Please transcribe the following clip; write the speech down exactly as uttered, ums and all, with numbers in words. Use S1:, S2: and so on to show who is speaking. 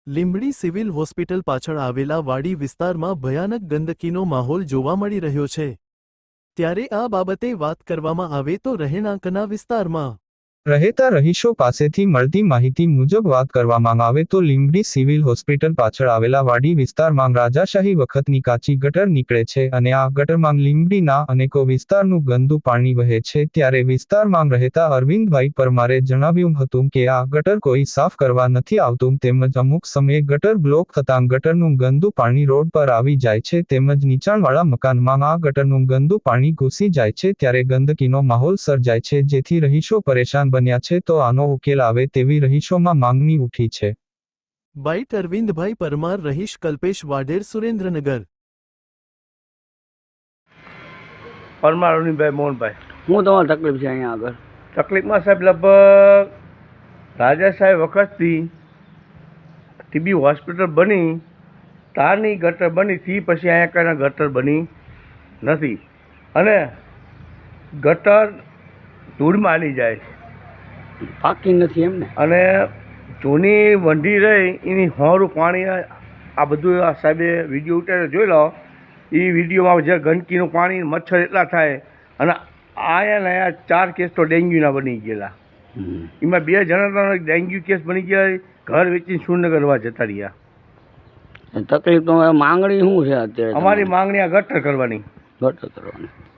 S1: Limbdi civil hospital પાછળ આવેલા વાડી વિસ્તારમાં ભયાનક ગંદકીનો માહોલ જોવા મળી રહ્યો છે। ત્યારે આ બાબતે વાત કરવામાં આવે તો રહેણાંકના વિસ્તારમાં
S2: રહેતા રહીશો પાસેથી મળતી માહિતી મુજબ વાત કરવામાં આવે તો લીંબડી સિવિલ હોસ્પિટલ પાછળ આવેલા વાડી વિસ્તારમાં રાજાશાહી વખતની કાચી ગટર નીકળે છે અને આ ગટરમાં લીંબડીના અનેકો વિસ્તારનું ગંદુ પાણી વહે છે। ત્યારે વિસ્તારમાં રહેતા અરવિંદભાઈ પરમારે જણાવ્યું હતું કે આ ગટર કોઈ સાફ કરવા નથી આવતું તેમજ અમુક સમયે ગટર બ્લોક થતાં ગટરનું ગંદુ પાણી રોડ પર આવી જાય છે તેમજ નીચાણવાળા મકાનમાં આ ગટરનું ગંદુ પાણી ઘૂસી જાય છે ત્યારે ગંદકીનો માહોલ સર્જાય છે જેથી રહીશો પરેશાન બન્યા છે તો આનો ઉકેલ આવે તેવી રહીશોમાં માંગણી ઉઠી છે।
S1: બાઈટ અરવિંદભાઈ પરમાર, રહીશ કલ્પેશ વાઢેર, સુરેન્દ્રનગર।
S3: પરમાર અરવિંદભાઈ મોહનભાઈ।
S4: હું તમારી તકલીફ છે અહીંયા આગળ?
S3: તકલીફમાં સાહેબ લગભગ રાજાશાહી વખતથી ટીબી હોસ્પિટલ બની તારની ગટર બની થી પછી અહીંયા કાંઈ ગટર બની નથી અને ગટર ધૂળમાં હાલી જાય છે,
S4: પાકી નથી એમ ને?
S3: અને જૂની વંડી રહી એની હોરું પાણી આ બધું આ સાહેબે વિડીયો ઉતારે જોઈ લો। એ વિડીયોમાં જે ગંદકીનું પાણી મચ્છર એટલા થાય અને આયા ને આયા ચાર કેસ તો ડેન્ગ્યુના બની ગયેલા। એમાં બે જણા ડેન્ગ્યુ કેસ બની ગયા, ઘર વેચીને સુરનગરવા જતા રહ્યા।
S4: તકલીફ તો માંગણી શું છે અત્યારે?
S3: અમારી માંગણી આ ગટર કરવાની।
S4: ગટર કરવાની।